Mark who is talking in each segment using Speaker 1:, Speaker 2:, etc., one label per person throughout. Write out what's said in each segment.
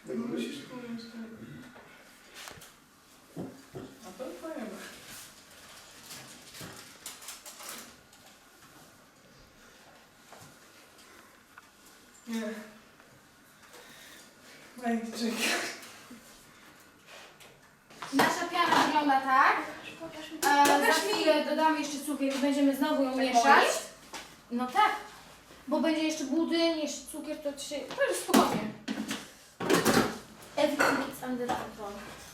Speaker 1: Tego musisz?
Speaker 2: A to fajne. Nie. Ej, czekaj.
Speaker 3: Nasza piana wygląda tak. Za chwilę dodamy jeszcze cukier i będziemy znowu ją mieszać. No tak, bo będzie jeszcze budyń, jeszcze cukier, to jest spokojnie. Everything is under control.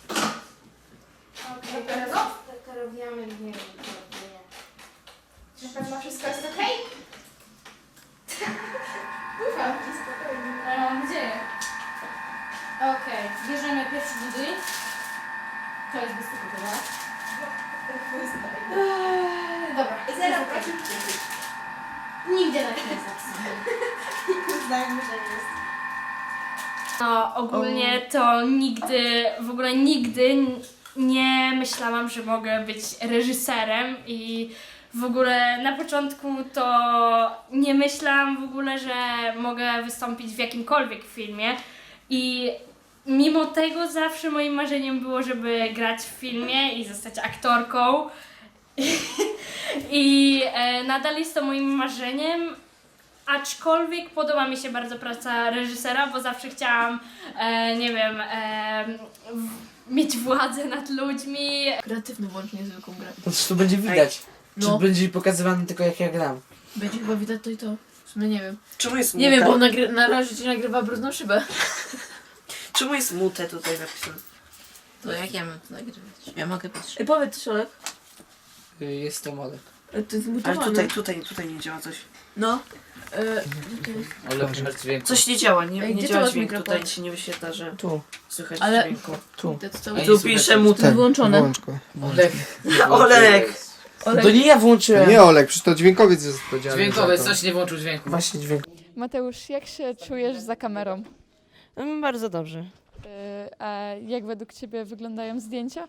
Speaker 3: Okej, teraz wiemy, nie.
Speaker 4: Czy pewno wszystko jest okej?
Speaker 3: Ufam ci spokojnie. Ale mam nadzieję. Okej, bierzemy pierwszy budyń. To jest bez cukier, tak? Dobra.
Speaker 4: Zero.
Speaker 3: Nigdzie na nie zapisane.
Speaker 4: Uznajmy, że jest.
Speaker 5: No ogólnie to w ogóle nigdy nie myślałam, że mogę być reżyserem i w ogóle na początku to nie myślałam w ogóle, że mogę wystąpić w jakimkolwiek filmie i mimo tego zawsze moim marzeniem było, żeby grać w filmie i zostać aktorką i nadal jest to moim marzeniem. Aczkolwiek podoba mi się bardzo praca reżysera, bo zawsze chciałam, nie wiem, mieć władzę nad ludźmi.
Speaker 6: Kreatywny włącz niezwykłą grę.
Speaker 2: To co tu będzie widać? Czy
Speaker 6: No.
Speaker 2: będzie pokazywane tylko jak ja gram?
Speaker 6: Będzie chyba widać to i to. W sumie nie wiem.
Speaker 1: Czemu jest
Speaker 6: Nie wiem, bo na razie ci nagrywa brudną szybę.
Speaker 1: Czemu jest mute tutaj napisane?
Speaker 6: To jak ja mam to nagrywać? Ja mogę patrzeć.
Speaker 4: Powiedz coś, Olek.
Speaker 2: Jestem Olek.
Speaker 4: To jest
Speaker 1: Ale
Speaker 4: zmutowane.
Speaker 1: tutaj nie działa coś.
Speaker 4: No.
Speaker 2: Olek bez dźwięku.
Speaker 1: Coś nie działa,
Speaker 4: Ej,
Speaker 1: nie
Speaker 4: gdzie
Speaker 1: działa
Speaker 4: to masz
Speaker 1: dźwięk.
Speaker 4: mikrofon?
Speaker 1: Tutaj ci nie wyświetla, że
Speaker 2: Tu,
Speaker 1: słychać
Speaker 4: Ale-
Speaker 1: dźwięku.
Speaker 2: tu.
Speaker 6: To cały
Speaker 2: Ej,
Speaker 1: Tu
Speaker 2: słuchaj,
Speaker 1: pisze
Speaker 2: to-
Speaker 1: mute.
Speaker 4: To jest wyłączone.
Speaker 7: Włącz go.
Speaker 2: Olek.
Speaker 1: Olek!
Speaker 2: To nie ja włączyłem.
Speaker 7: Nie Olek, przecież to dźwiękowiec jest odpowiedzialny
Speaker 2: Dźwiękowiec,
Speaker 7: za to.
Speaker 2: coś nie włączył dźwięku. Właśnie dźwięk.
Speaker 8: Mateusz, jak się czujesz za kamerą?
Speaker 1: Bardzo dobrze.
Speaker 8: A jak według Ciebie wyglądają zdjęcia?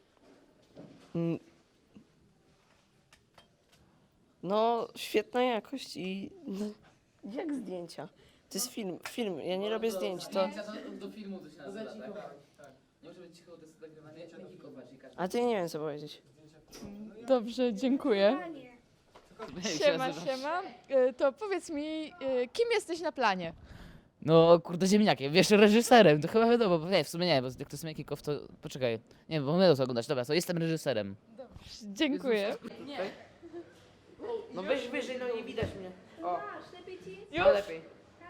Speaker 1: No, świetna jakość i... No, jak zdjęcia? To jest film, ja nie robię zdjęć, to...
Speaker 2: Do filmu to się nazywa, tak? Nie muszę być cicho, to jest nagrywanie.
Speaker 1: A to ja nie wiem co powiedzieć.
Speaker 8: Dobrze, dziękuję. Siema, siema. To powiedz mi, kim jesteś na planie?
Speaker 9: No kurde ziemniakiem, wiesz, reżyserem, to chyba wiadomo, bo nie, w sumie nie, bo jak to jest Kikow, to poczekaj, nie, bo my to oglądać, dobra, to jestem reżyserem.
Speaker 8: Dziękuję.
Speaker 1: No weź wyżej, no nie widać mnie. O,
Speaker 8: Już?
Speaker 1: no lepiej.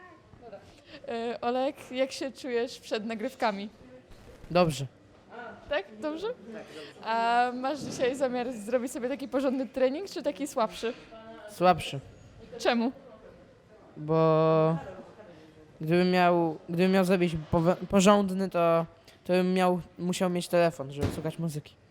Speaker 8: Olek, jak się czujesz przed nagrywkami?
Speaker 9: Dobrze.
Speaker 8: Tak? Dobrze? A masz dzisiaj zamiar zrobić sobie taki porządny trening, czy taki słabszy?
Speaker 9: Słabszy,
Speaker 8: Czemu?
Speaker 9: bo gdybym miał zrobić porządny, to bym musiał mieć telefon, żeby słuchać muzyki.